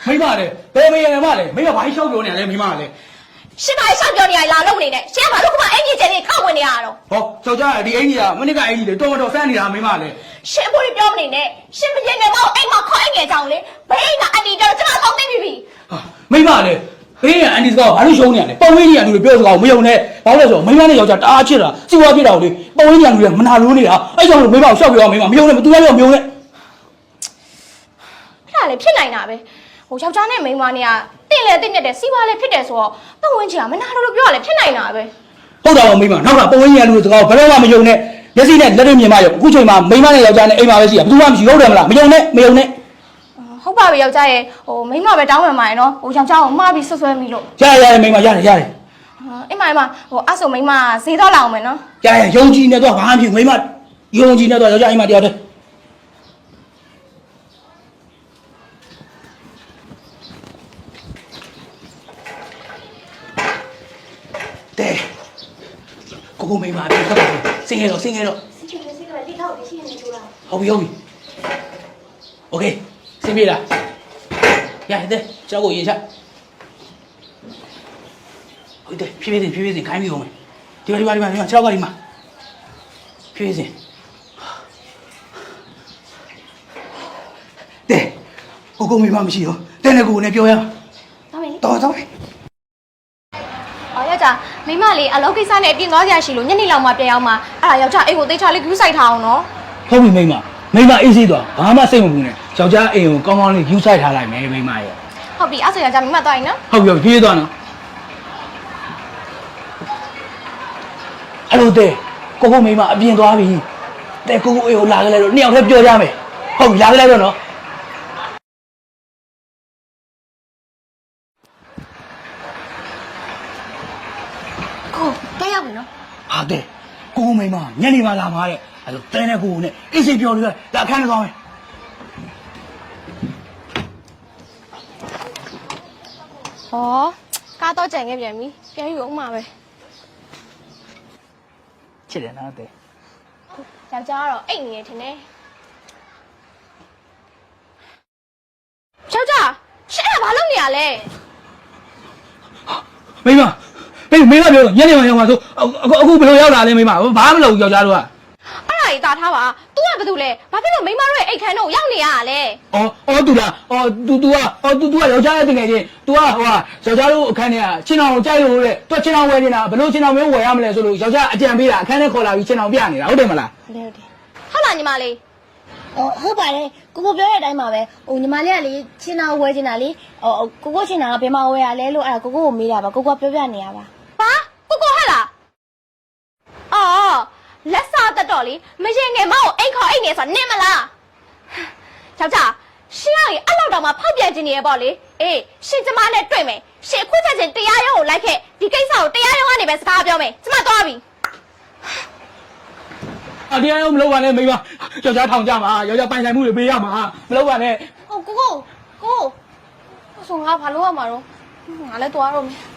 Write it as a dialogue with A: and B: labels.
A: မိမလေဘယ်မရမလဲမိမဘာရှောက်ပြောနေလဲမိမလေ
B: ရှင်ဘာရှောက်ပြောနေရလာလုံးနေနဲ့ရှင်ဘာလို့ကမအင်ကြီးကျင်းနေခောက်ဝင်နေရတော့
A: ဟောယောက်ျားဒီအင်ကြီးကမနစ်ကအင်ကြီးလေတော်တော်ဆန်းနေတာမိမလေ
B: ရှင်ဖို့ပြောမနေနဲ့ရှင်မရင်ငယ်မအိမ်မှာခေါ်အိမ်ငယ်ကြောင်လေဘေးကအန်တီတော့ကျွန်တော်သိပြီ
A: ဟာမိမလေဘေးကအန်တီစကားဘာလို့ရှုံးနေရလဲပုံဝင်းကြီးကလူတွေပြောစကားကိုမယုံနဲ့ဘာလို့လဲဆိုတော့မိမနဲ့ယောက်ျားတအားချစ်တာစီဝါဖြစ်တာကိုလေပုံဝင်းကြီးကလူတွေမနာလို့နေတာအဲ့ကြောင့်မိမကိုရှောက်ပြောမိမမယုံနဲ့မသူလည်းမယုံနဲ့
B: အဲ့ဒါလေဖြစ်နိုင်တာပဲဟိုယောက်ျားနဲ့မိန်းမနဲ့ကတင့်လေတင့်မြတ်တယ်စီးပွားလည်းဖြစ်တယ်ဆိုတော့ပတ်ဝန်းကျင်ကမနာလို့ပြောရလဲဖြစ်နိုင်တာပဲ
A: ဟုတ်တာပါမိမနောက်ကပုံဝင်းကြီးကလူတွေစကားကိုဘယ်တော့မှမယုံနဲ့မျက်စိနဲ့လက်တွေ့မြင်မှရောအခုချိန်မှာမိန်းမနဲ့ယောက်ျားနဲ့အိမ်မှာပဲရှိရဘယ်သူမှမရှိဟုတ်တယ်မလားမယုံနဲ့
B: ဟုတ်ပါပြီယောက်ျားရဲ့ဟိုမိန်းမပဲတောင်းပန်ပါရဲ့နော်ဟိုယောက်ျားကိုမှားပြီးဆွဆွဲမိလို့
A: ရတယ်မိန်းမရတယ်
B: အိမ်မှာဟိုအဆုံမိန်းမဈေးတော့လာအောင်မယ်နော်
A: ရယုံကြည်နေတော့ဘာမှမဖြစ်မိန်းမယုံကြည်နေတော့ယောက်ျားအိမ်မှာတရားတယ်တဲ့ကိုမိန်းမပြေခက်ပါစင်ငယ်တော့
B: လိထောက်ရှိနေကြလား
A: ဟုတ်ပြီโอเคစင်ပြေလားရတယ်ကြောက်ကိုရင်ချဟုတ်တယ်ဖြည်းဖြည်းခိုင်းပြီးအောင်မယ်ဒီမှာ6ကဒီမှာဖြည်းဖြည်းတဲ့ကိုမိမမရှိတော့တဲ့နဲ့ကိုနဲ့ပြောရအောင်တော်
B: မယ်အော်ယောက်ျားမိမလေးအလုပ်ကိစ္စနဲ့အပြင်သွားကြရှိလို့ညနေလောက်မှပြန်ရောက်မှအဲ့ဒါယောက်ျားအိမ်ကိုသိချလေးဂရုစိုက်ထားအောင်နော်
A: ဟုတ်ပြီမိမအေးစေးသွားဘာမှစိတ်မပူနဲ့ယောက်ျားအိမ်ကိုကောင်းကောင်းလေးဂရုစိုက်ထားလိုက်မယ်မိမရဲ့
B: ဟုတ်ပြီအဲ့ဆိုယောက်ျားမိမသွားရင်နော်
A: ဟုတ်ပြီဖြည်းသွားနော်အဲ့လိုတဲ့ကိုမိမအပြင်သွားပြီတဲ့ကိုအိမ်ကိုလာကြလဲတော့နှစ်ယောက်တည်းပြောကြမယ်ဟုတ်ပြီလာကြလဲတော့နော်
B: ကိုတက်ရောက်ပြီနော်
A: ဟာတဲ့ကိုမိမညနေမှလာမှာတဲ့အဲ့လိုတဲနဲ့ကိုနဲ့အေးစေးပြောလို့ဒါအခန်းထဲသွားမယ်
B: ဟောကားတော့ကြံခဲ့ပြန်ပြီပြန်ယူအောင်ပါပဲ
A: ချစ်တယ်နော်တဲ့
B: ယောက်ျားကတော့အိတ်နေရထင်တယ်ယောက်ျားရှင်းဘာလုပ်နေရလဲ
A: မိမပြောညနေမှရောက်မှာဆိုအခုဘယ်လိုရောက်လာလဲမိမဘာမှမလုပ်ဘူးယောက်ျားတို့က
B: အဲ့ဒါကြီးတာထားပါ तू ကဘာလို့လဲဘာဖြစ်လို့မိမတို့ရဲ့အိတ်ခန်းတော့ရောက်နေရလဲ
A: အော် तू လားतू ကယောက်ျားရဲ့တကယ်ချင်း तू ကဟိုကယောက်ျားတို့အခန်းထဲကချင်းအောင်ကြိုက်လို့တဲ့ तू ချင်းအောင်ဝယ်နေတာဘယ်လိုချင်းအောင်မျိုးဝယ်ရမလဲဆိုလို့ယောက်ျားအကြံပေးတာအခန်းထဲခေါ်လာပြီးချင်းအောင်ပြနေတာဟုတ်တယ်မလား
B: ဟုတ်လားညီမလေး
C: ဟုတ်ပါတယ်ကိုပြောတဲ့အတိုင်းပါပဲဟိုညီမလေးကလေချင်းအောင်ဝဲချင်တာလေကိုချင်းအောင်ကဘယ်မှာဝဲရလဲလို့အဲ့ဒါကိုမေးတာပါကိုပြောပြနေရပါ
B: ဟာကိုဟဲ့လားအော်လက်စားတတ်တော့လေမရင်ငယ်မအောင်အိမ်ခေါ်အိမ်နေဆိုနင်းမလားယောက်ျားရှင်းရည်အဲ့လောက်တော့မှဖောက်ပြန်ခြင်းနေရပေါ့လေအေးရှင်ကျမနဲ့တွေ့မယ်ရှင်အခုချက်ချင်းတရားရုံးကိုလိုက်ခဲ့ဒီကိစ္စကိုတရားရုံးကနေပဲစကားပြောမယ်ကျမသွားပြီ
A: တရားရုံးမလုပ်ပါနဲ့မိမယောက်ျားထောင်ကြမှာယောက်ျားပိုင်ဆိုင်မှုတွေပေးရမှာမလုပ်ပါနဲ့
B: ကိုဆိုငါဘာလုပ်ရမှာတော့ငါလည်းသွားတော့မယ်